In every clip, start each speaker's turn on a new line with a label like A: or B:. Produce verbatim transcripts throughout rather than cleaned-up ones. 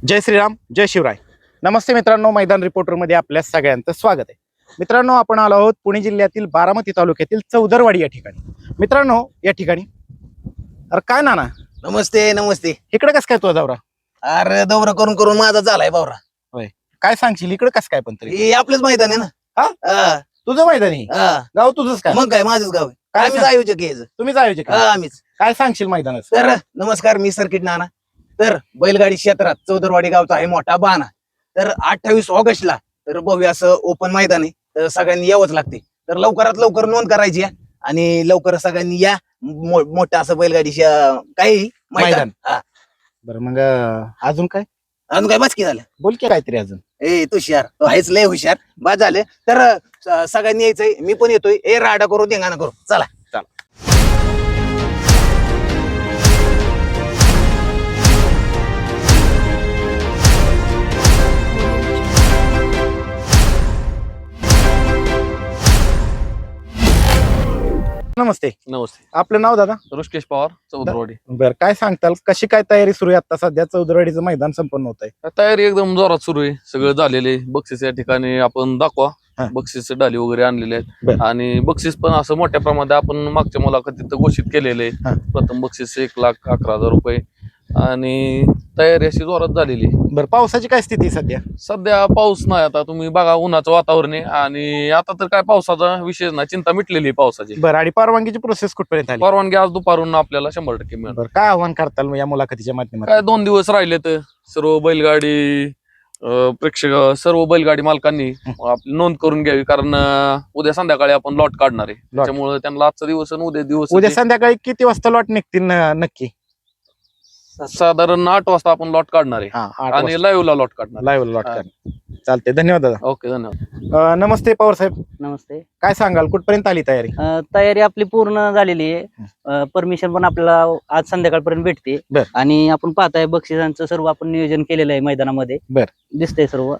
A: जय श्रीराम, जय शिवराय. नमस्ते मित्रांनो, मैदान रिपोर्टर मध्ये आपल्या सगळ्यांचं स्वागत आहे. मित्रांनो, आपण आलो आहोत पुणे जिल्ह्यातील बारामती तालुक्यातील चौदरवाडी या ठिकाणी. मित्रांनो, या ठिकाणी अरे काय नाना,
B: नमस्ते नमस्ते.
A: इकडे कस काय तुझा दौरा?
B: अरे दौरा करून करून माझा झालाय बावरा.
A: काय सांगशील, इकडे कस काय? पण तरी
B: हे आपलंच मैदान आहे ना.
A: हा?
B: हा,
A: तुझं मैदान आहे,
B: हा.
A: गाव तुझंच काय?
B: मग काय माझंच गाव आहे.
A: काय
B: आम्हीच
A: सांग-
B: आयोजक आहे याचं.
A: तुम्हीच आयोजक आहे?
B: हा, आम्हीच.
A: काय सांगशील मैदानाचं?
B: तर नमस्कार, मी सर्किट नाना. तर बैलगाडी क्षेत्रात चौदरवाडी गावचा आहे मोठा बाणा. तर अठ्ठावीस ऑगस्टला तर भव्य असं ओपन मैदान आहे. तर सगळ्यांनी यावंच लागते. तर लवकरात लवकर नोंद करायची आहे आणि लवकर सगळ्यांनी या. मो- मोठं असं बैलगाडी काही मैदान.
A: मैदान.
B: हा.
A: बरं, मग अं, अजून काय
B: अजून काय बाचकी झालं?
A: बोल की काहीतरी अजून.
B: ए तू हुशार, तो आहेच लय हुशार. बाद झालं. तर स- सगळ्यांनी यायचंय, मी पण येतोय. ए राडा करू, धिंगाणा करू, चला.
A: नमस्ते,
C: नमस्ते.
A: आपलं नाव दादा?
C: ऋषिकेश पवार, चौदरवाडी.
A: बरं, काय सांगताल, कशी काय तयारी सुरू आहे? आता सध्या चौदरवाडीचं मैदान संपन्न होत आहे.
C: तयारी एकदम जोरात सुरू आहे. सगळं झालेले बक्षीस या ठिकाणी आपण दाखवा.
A: हा.
C: बक्षीस डाली वगैरे आणलेले आहेत
A: बरं.
C: आणि बक्षीस पण असं मोठ्या प्रमाणात आपण मागच्या मुलाखतीत घोषित केलेले
A: हा.
C: आहे. प्रथम बक्षीस एक लाख अकरा हजार रुपये आणि तयारी अशी जोरात झालेली आहे.
A: बरं, पावसाची काय स्थिती आहे सध्या?
C: सध्या पाऊस नाही. आता तुम्ही बघा, उन्हाचं वातावरण आहे आणि आता तर काय पावसाचा विषय नाही, चिंता मिटलेली आहे पावसाची.
A: बरं, आणि परवानगीची प्रोसेस कुठपर्यंत आली?
C: परवानगी आज दुपारून आपल्याला शंभर टक्के मिळणार.
A: बरं, काय आव्हान करताल मग या मुलाखतीच्या
C: काय
A: माध्यमातून?
C: दोन दिवस राहिले तर सर्व बैलगाडी अं, प्रेक्षक सर्व बैलगाडी मालकांनी आपली नोंद करून घ्यावी, कारण अं, उद्या संध्याकाळी आपण लॉट काढणार आहे. त्यामुळे त्यांना आजचा दिवस आणि उद्या दिवस
A: उद्या संध्याकाळी किती वाजता लॉट निघतील न- नक्की?
C: साधारण आठ वाजता आपण लॉट काढणार आहे
A: हा, आठ
C: आणि लाईव्ह ला लॉट काढणार.
A: लाईव्ह लॉट
C: हा.
A: कर. चालते, धन्यवाद दादा.
C: ओके, धन्यवाद.
A: अं, नमस्ते पवार साहेब,
D: नमस्ते.
A: काय सांगाल, कुठपर्यंत आली तयारी?
D: अ, तयारी आपली पूर्ण झालेली आहे. परमिशन पण आपल्याला आज संध्याकाळपर्यंत भेटते.
A: बर.
D: आणि आपण पाहताय बक्षिसांचं सर्व आपण नियोजन केलेलं आहे मैदानामध्ये.
A: बर.
D: दिसतंय सर्व.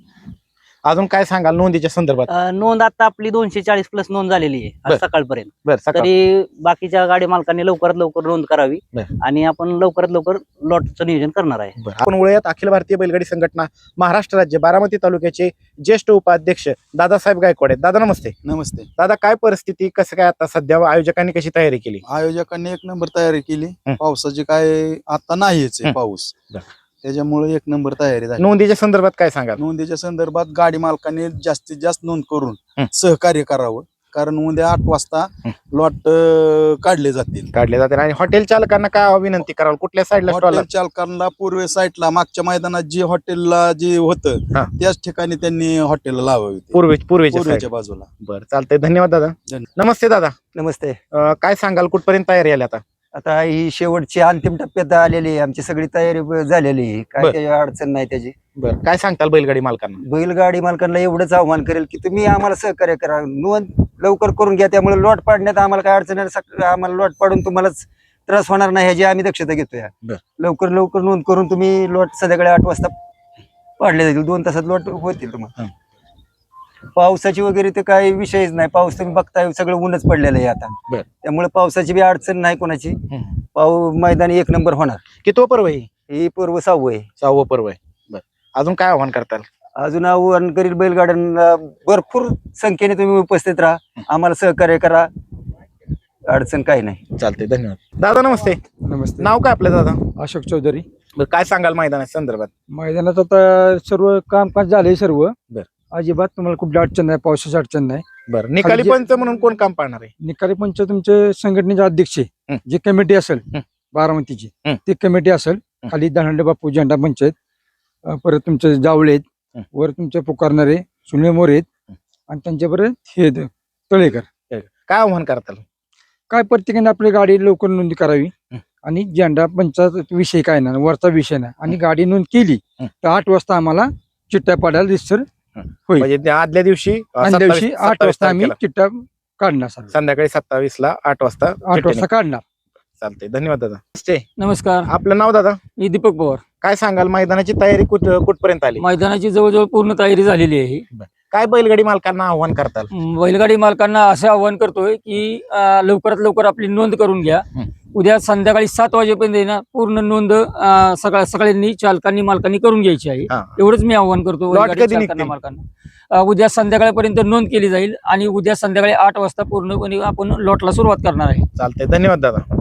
A: अजून काय सांगाल नोंदीच्या संदर्भात?
D: अ, नोंद आता आपली दोनशे चाळीस प्लस नोंद झालेली आहे
A: बर.
D: आज सकाळपर्यंत.
A: बरं, सकाळ.
D: तरी बाकीच्या गाडी मालकांनी लवकरात लवकर नोंद करावी
A: बर.
D: आणि आपण लवकरात लवकर लॉटचं नियोजन करणार आहे.
A: बरं, आपण वळूयात अखिल भारतीय बैलगाडी संघटना महाराष्ट्र राज्य बारामती तालुक्याचे ज्येष्ठ उपाध्यक्ष दादासाहेब गायकवाड आहेत. दादा नमस्ते.
E: नमस्ते.
A: दादा, काय परिस्थिती, कसं काय आता सध्या आयोजकांनी कशी तयारी केली?
E: आयोजकांनी एक नंबर तयारी केली.
A: हं.
E: पावसाची काय आता नाहीच आहे
A: हं.
E: पाऊस,
A: बरं.
E: त्याच्यामुळे एक नंबर तयारी झाली.
A: नोंदीच्या संदर्भात काय सांगाल?
E: नोंदीच्या संदर्भात गाडी मालकांनी जास्तीत जास्त नोंद करून
A: हं.
E: सहकार्य करावं, कारण उद्या आठ वाजता
A: हं.
E: लॉट काढले जातील.
A: काढले जाते. आणि हॉटेल चालकांना काय विनंती कराल, कुठल्या साईडला स्टॉल?
E: हॉटेल चालकांना पूर्व साईडला मागच्या मैदानात जे हॉटेलला जे होतं
A: हा.
E: त्याच ठिकाणी त्यांनी हॉटेल लावावी,
A: पूर्वे पूर्वेच्या
E: पूर्वेच्या
A: side.
E: बाजूला.
A: बरं, चालतंय, धन्यवाद दादा.
E: धन्यवाद.
A: नमस्ते दादा,
F: नमस्ते.
A: अं, काय सांगाल, कुठपर्यंत तयारी आली आता?
F: आता ही शेवटची अंतिम टप्प्यात आलेली आहे. आमची सगळी तयारी ब- झालेली आहे. काय
A: बर.
F: त्याची अडचण नाही त्याची.
A: बरं, काय सांगताल बैलगाडी मालकांना?
F: बैलगाडी मालकांना एवढंच आव्हान करेल की तुम्ही आम्हाला सहकार्य करा, नोंद लवकर करून घ्या. त्यामुळे लॉट पाडण्यात आम्हाला काय अडचण नाही. सक- आम्हाला लॉट पाडून तुम्हालाच त्रास होणार नाही ह्याची आम्ही दक्षता घेतोय.
A: बर.
F: लवकर लवकर नोंद करून तुम्ही लॉट संध्याकाळी आठ वाजता पाडले जातील. दोन तासात लॉट होतील तुम्हाला.
A: हं.
F: पावसाची वगैरे ते काही विषयच नाही. पाऊस तुम्ही बघताय सगळं ऊनच पडलेलं आहे आता.
A: बर.
F: त्यामुळे पावसाची बी अडचण नाही कोणाची.
A: हं.
F: पाऊ मैदान एक नंबर होणार.
A: किती पर्व आहे?
F: ही पूर्व सहावं आहे.
A: सहावं पर्व आहे. बरं, अजून काय आव्हान करताल?
F: अजून आव्हान करील बैलगाड्यांना भरपूर संख्येने तुम्ही उपस्थित राहा, आम्हाला सहकार्य करा, अडचण काही नाही.
A: चालते, धन्यवाद. दादा नमस्ते.
G: नमस्ते.
A: नाव काय आपलं दादा?
G: अशोक चौधरी.
A: बरं, काय सांगाल मैदानाच्या संदर्भात?
G: मैदानात आता सर्व कामकाज झाले सर्व.
A: बर.
G: अजिबात तुम्हाला कुठली अडचण नाही, पावसाची अडचण नाही.
A: बरं, निकाली
G: खाली जे-
A: पंच म्हणून कोण काम पाहणार आहे?
G: निकाली पंच तुमचे संघटनेचे अध्यक्ष
A: हं.
G: जी कमिटी असेल
A: हं.
G: बारामतीची
A: हं.
G: ती कमिटी असेल.
A: हं.
G: खाली दहांडे बापू झेंडा पंचायत, अं, परत तुमचे जावळे आहेत,
A: हं.
G: वर तुमचे पुकारणारे सुनील मोरे आहेत,
A: हं.
G: आणि त्यांच्याबरोबर हे आहेत, तळेकर.
A: काय आव्हान करताल?
G: काय प्रत्येकाने आपली गाडी लवकर नोंद करावी.
A: हं.
G: आणि झेंडा पंचायत विषय काय नाही, वरचा विषय नाही. आणि गाडी नोंद केली
A: हं.
G: तर आठ वाजता आम्हाला चिठ्ठ्या पाडायला दिसर होईल.
A: म्हणजे त्या आदल्या दिवशी अं,
G: आणि
A: सत्तावीस-
G: दिवशी आठ
A: सत्तावीस
G: वाजता आम्ही
A: तारखेला.
G: चिठ्ठ्या काढणार सर्व.
A: संध्याकाळी सत्तावीस ला आठ वाजता
G: आठ
A: चिठ्ठी
G: वाजता काढणार.
A: चालते, धन्यवाद दादा. नमस्ते.
H: नमस्कार,
A: आपलं नाव दादा?
H: मी दीपक पवार.
A: काय सांगाल, मैदानाची तयारी कुठ कुठपर्यंत आली?
H: मैदानाची जवळजवळ पूर्ण तयारी झालेली आहे.
A: काय बैलगाडी मालकांना आव्हान करताल?
H: म, बैलगाडी मालकांना असं आवाहन करतोय की अं, लवकरात लवकर आपली नोंद करून घ्या.
A: हं.
H: उद्या संध्याकाळी सात वाजेपर्यंत आहे ना पूर्ण नोंद अं, सगळ्या सगळ्यांनी चालकांनी मालकांनी करून घ्यायची आहे.
A: हा.
H: एवढंच मी आवाहन करतो
A: Lot
H: बैलगाडी
A: कधी
H: चालकांना
A: निघतील?
H: मालकांना. अं, उद्या संध्याकाळपर्यंत नोंद केली जाईल आणि उद्या संध्याकाळी आठ वाजता पूर्णपणे आपण लॉटला सुरुवात करणार आहे.
A: चालतंय, धन्यवाद दादा.